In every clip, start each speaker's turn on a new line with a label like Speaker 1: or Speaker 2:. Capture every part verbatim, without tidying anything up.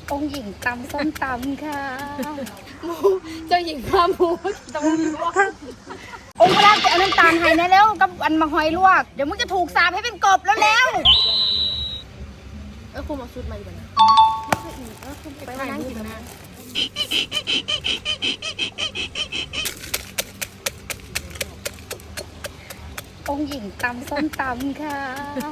Speaker 1: องค์หญิงตำส้มตำค่ะหมูเจ้าหญิงข้าหมูตำลวกองค์พระจะเอาน้ำตาลให้นะแล้วกับอันมาหอยลวกเดี๋ยวมึงจะถูกสาปให้เป็นกบแล้วแล้วเออคุณมาชุดมาอีกแล้วไปนั่งกินนะองค์หญิงตำส้มตำค่ะ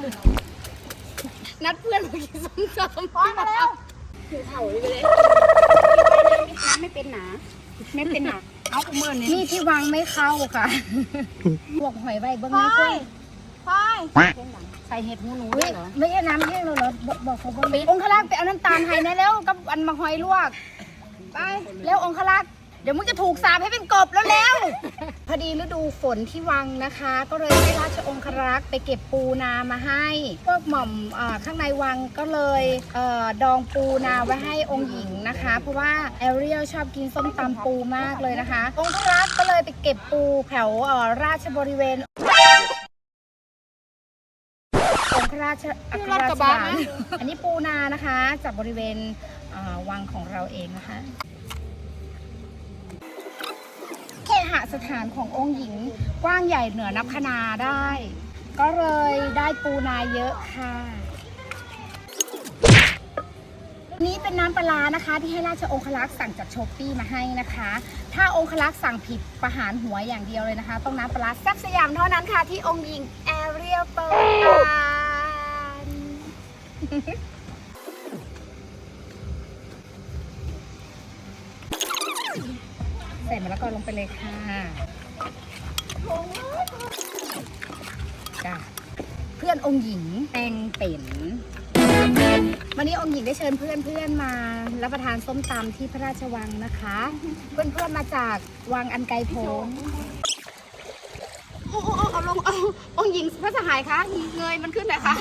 Speaker 1: นัดเพื่อนมากินส้มตำพร้อมมาแล้วถือเข่าไปเลยน้ำไม่เป็นหนาไม่เป็นหนาเอาเมื่อนี้นี่ที่วางไม่เข้าค่ะบวกหอยใบเบิ้งนี้ด้วยพายใส่เห็ดหูหนูด้วยเหรอไม่ใช่น้ำแห้งเลยเหรอบอกเขาบอกองค์ขลักไปเอาน้ำตาลให้นะแล้วกับอันมาหอยลวกไปแล้วองค์ขลักเดี๋ยวมึงจะถูกสาปให้เป็นกบแล้วแล้วพอดีฤดูฝนที่วังนะคะก็เลยให้ราชองครักษ์ไปเก็บปูนามาให้พวกหม่อมข้างในวังก็เลยเออดองปูนาไว้ให้องค์หญิงนะคะเพราะว่าแอเรียลชอบกินส้มตำปูมากเลยนะคะองครักษ์ก็เลยไปเก็บปูแถวราชบริเวณองคราชอัครราชบาลอันนี้ปูนานะคะจากบริเวณวังของเราเองนะคะเคหสถานขององค์หญิงกว้างใหญ่เหนือนับคณาได้ ก็เลยได้ปูนาเยอะค่ะนี้เป็นน้ำปลานะคะที่ให้ราชองครักษ์สั่งจากช้อปปี้มาให้นะคะถ้าองครักษ์สั่งผิดประหารหัวอย่างเดียวเลยนะคะต้องน้ำปลาแซ่บสยามเท่านั้นค่ะที่องค์หญิงแอเรียลเปิดร้านใส่มะละกอลงไปเลยค่ะจ้ะเพื่อนองค์หญิงแตงเป็นวันนี้องค์หญิงได้เชิญเพื่อนเพื่อนมารับประทานส้มตำที่พระราชวังนะคะเพื่อนเพื่อนมาจากวังอันไกลโพ้นโอ้โอ้เอาลงเอาองค์หญิงพระสหายคะเงยมันขึ้นหน่อยค่ะ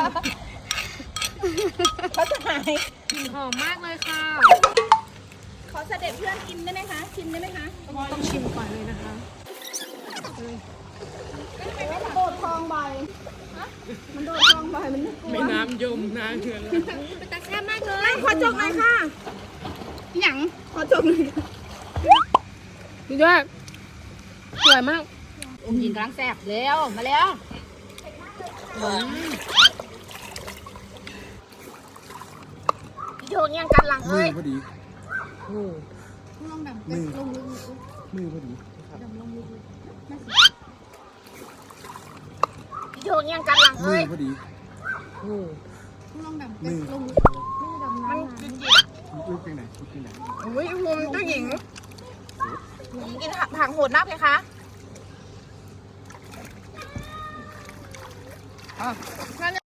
Speaker 1: พระสหายกลิ่นหอมมากเลยค่ะขอเสด็จเพื่อนกินได้ไหมคะชิมได้ไหมคะต้องชิมก่อนเลยนะคะมันโดดทองใบมันโดดทองใบมันไม่กลัวไม่น้ำยมน้ำเถื่อนเลยเป็นตาแซ่บมากเลยขอจกหน่อยค่ะหยังขอจกหน่อยดีด้วยสวยมากองค์หญิงกลางแซ่บเร็วมาแล้วโยนยังกันหลังเอ้ยโอ้ลองดำลงลึกมือพอดีดำลงลึกโยนยังกันหลังเอ้ยพอดีโอ้ลองดำลงลึกไม่ดำน้ำมันจริงจริงลึกไปไหนลึกไปไหนโอ้ยมุมเจ้าหญิงหญิงกินถังโหดนักเลยคะอ๋อ